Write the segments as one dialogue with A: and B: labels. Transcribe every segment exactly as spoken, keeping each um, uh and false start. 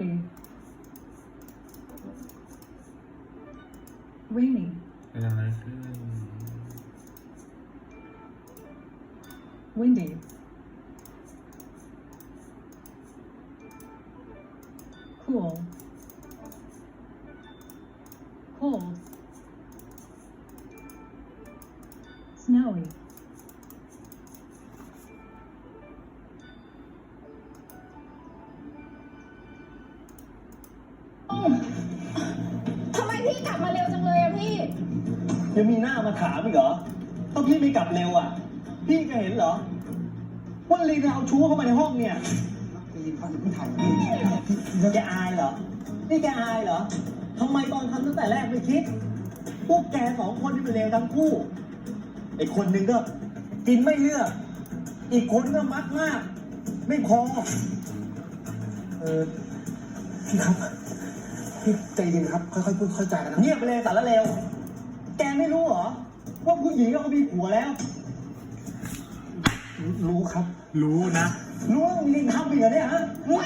A: Cloudy. Rainy.
B: เป็นอะไรขึ้น
A: Windy. Cool. Cold. Snowy.
C: ทำไมพี่กลับมาเร็วจังเลยอะพี่
D: ยังมีหน้ามาถามอีกเหรอต้องพี่ไม่กลับเร็วอ่ะ พี่ก็เห็นเหรอว่าลีนเอาชู้เข้ามาในห้องเนี่ยลีนเขาจะพี่ถ่ายแกอายเหรอ นี่แกอายเหรอทำไมตอนทำตั้งแต่แรกไม่คิด พวกแกสองคนที่เป็นเลวทั้งคู่ไอ้คนหนึ่งก็กินไม่เลือก อีกคนก็มักมาก ไม่พอ
E: เออพี่ครับพี่ใจเย็นครับค่อยๆพูดค่อยๆจากันนะ
D: เงียบไปเลยสารเลวแกไม่รู้เหรอว่าผู้หญิงเขามีผัวแล้ว
E: รู้ครับ
B: รู้นะ
D: รู้ว่ามีลิงทำอีกเหรอเนี่ยฮะ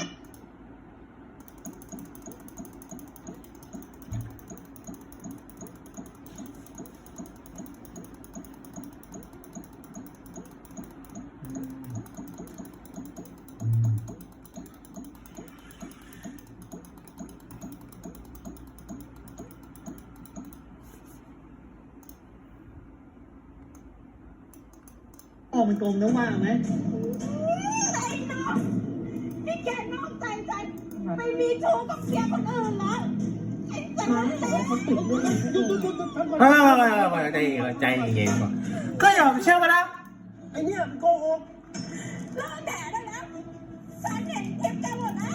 D: ออกมันกลมนะว่างไหม
C: ไอ้น้องนี่แกนอกใจใจไปมีชู้กับเสียคนอื่นแล้วไอ้สารเลว
B: ไม่ไม่ไม่ไม่ใจเย็นใจเย็นก่อนก็ยอมเชื่อมาแล้ว
D: ไอเนี่ยมันโกหก
C: เลิกแดดได้แล้วฉันเห็นคลิปแกหมดแล้ว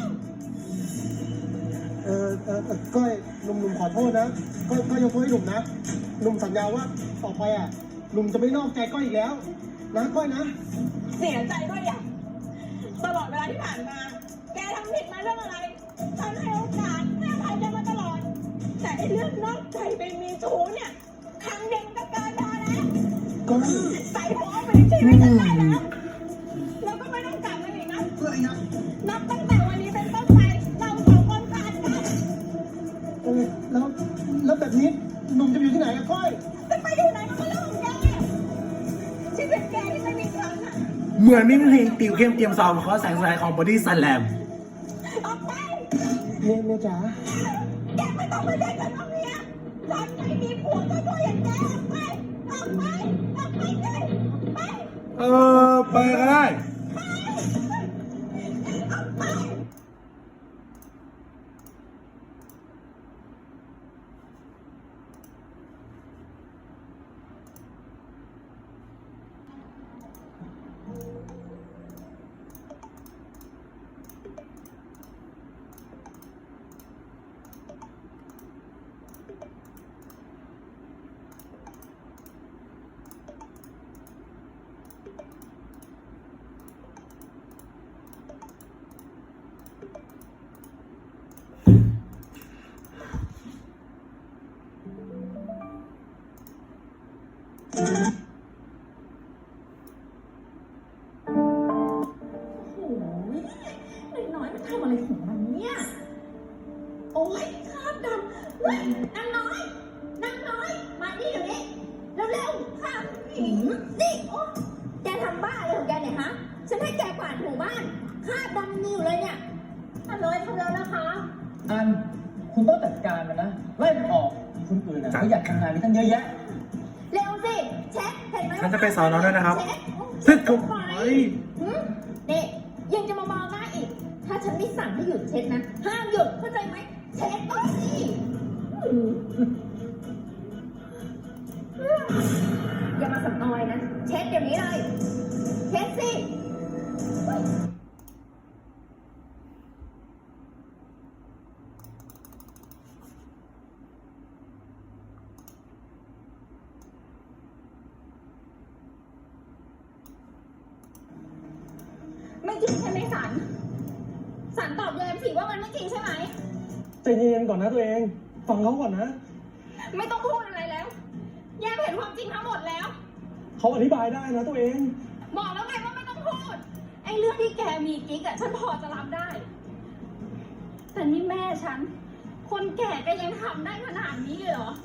E: เออเออเออก้อยหนุ่มๆขอโทษนะก้อยก้อยยกโทษให้หนุ่มนะหนุ่มสัญญาว่าต่อไปอ่ะหนุ่มจะไม่นอกใจก้อยอีกแล้วนะก้อยนะ
C: เสียใจด้วยอ่ะตลอดเวลาที่ผ่านมา แกทำผิดมาเรื่องอะไร ฉันให้โอกาสให้อภัยแกมาตลอด แต่ไอ้เรื่องนอกใจไปมีชู้เนี่ย ครั้งเดียวมันก็เกินพอแล้ว
E: ก้อย
C: ใส่หัวเอาไปในชีวิตฉันได้แล้ว แล้วก็ไม่ต้องกลับมาอีกนะ
E: ก้อยนะ
C: นับตั้งแต่วันนี้เป็นต้นไป เราสองคนขาดกัน
E: เออแล้วแล้วแบบนี้หนุ่มจะอยู่ที่ไหนอะก้อย
C: จะไปอยู่ไหนก็เรื่องของแกชีวิตแกที่ไม่มีครั้งอ่ะ
B: เหมือนนี่เพลงติวเข้มเตรียมซ้อมเขาแสงสลายของบอดี้สแลม
C: ออกไป
E: เมียเมียจ๋า
C: แกไม่ต้องมาเล่นกับน้องเมียฉันไม่มีผัวตัวตัวอย่างแกออกไป ออกไป ออกไปเลยไป
B: เออไปก็ได้
C: ออกไป โอ้ยนายน้อยมันทำอะไรของมันเนี่ย โอ้ยคราบดำเฮ้ยนางน้อยนางน้อย มานี่เดี๋ยวนี้ เร็วๆคราบหินนี่โอ้แกทำบ้าอะไรของแกเนี่ยฮะ ฉันให้แกกวาดหมู่บ้านคราบดำมีอยู่เลยเนี่ยอันเลยทำแล้วนะคะ
D: อันคุณต้องจัดการมันนะไล่มันออกคนอื่นนะเขาอยากทำงานนี้ตั้งเยอะแยะ
C: เร็วสิ เช็คเห็นไหม
B: ฉันจะไปสอนน้องด้วยนะครับ
C: เช็ค
B: ซึ่งกู
C: ไปหืมนี่ยังจะมามองหน้าอีก ถ้าฉันไม่สั่งให้หยุดเช็ดนะ ห้ามหยุดเข้าใจไหม เช็ดก็สิหืมอย่ามาสับออยนะ เช็ดเดี๋ยวนี้เลย เช็ดสิ ไม่จริงใช่ไหมสัน สันตอบแยมสิว่ามันไม่จริงใช่ไหม
E: ใจเย็นๆก่อนนะตัวเองฟังเขาก่อนนะ
C: ไม่ต้องพูดอะไรแล้ว แยมเห็นความจริงทั้งหมดแล้ว
E: เขาอธิบายได้นะตัวเอง
C: บอกแล้วไงว่าไม่ต้องพูด ไอ้เรื่องที่แกมีกิ๊กอะฉันพอจะรับได้ แแต่นี่แม่ฉัน คนแก่ก็ยังทำได้ขนาดนี้เลยเหรอ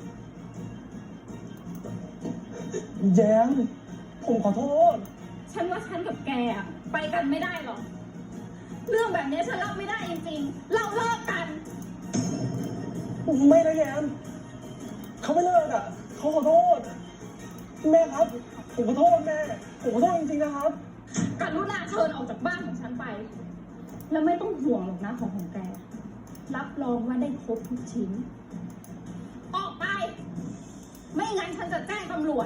E: แย้มผมขอโทษ
C: ฉันว่าฉันกับแกอะไปกันไม่ได้หรอก เรื่องแบบนี้ฉันรับไม่ได้จริงๆ เราเลิกกัน
E: ไม่นะแย้มเขาไม่เลิกอ่ะเขาขอโทษ แม่ครับ ผมขอโทษแม่ ผมขอโทษจริงๆนะครับ
C: กรุณาเชิญออกจากบ้านของฉันไป แล้วไม่ต้องห่วงหรอกนะของของแก รับรองว่าได้ครบทุกชิ้น ออกไป ไม่งั้นฉันจะแจ้งตำรวจ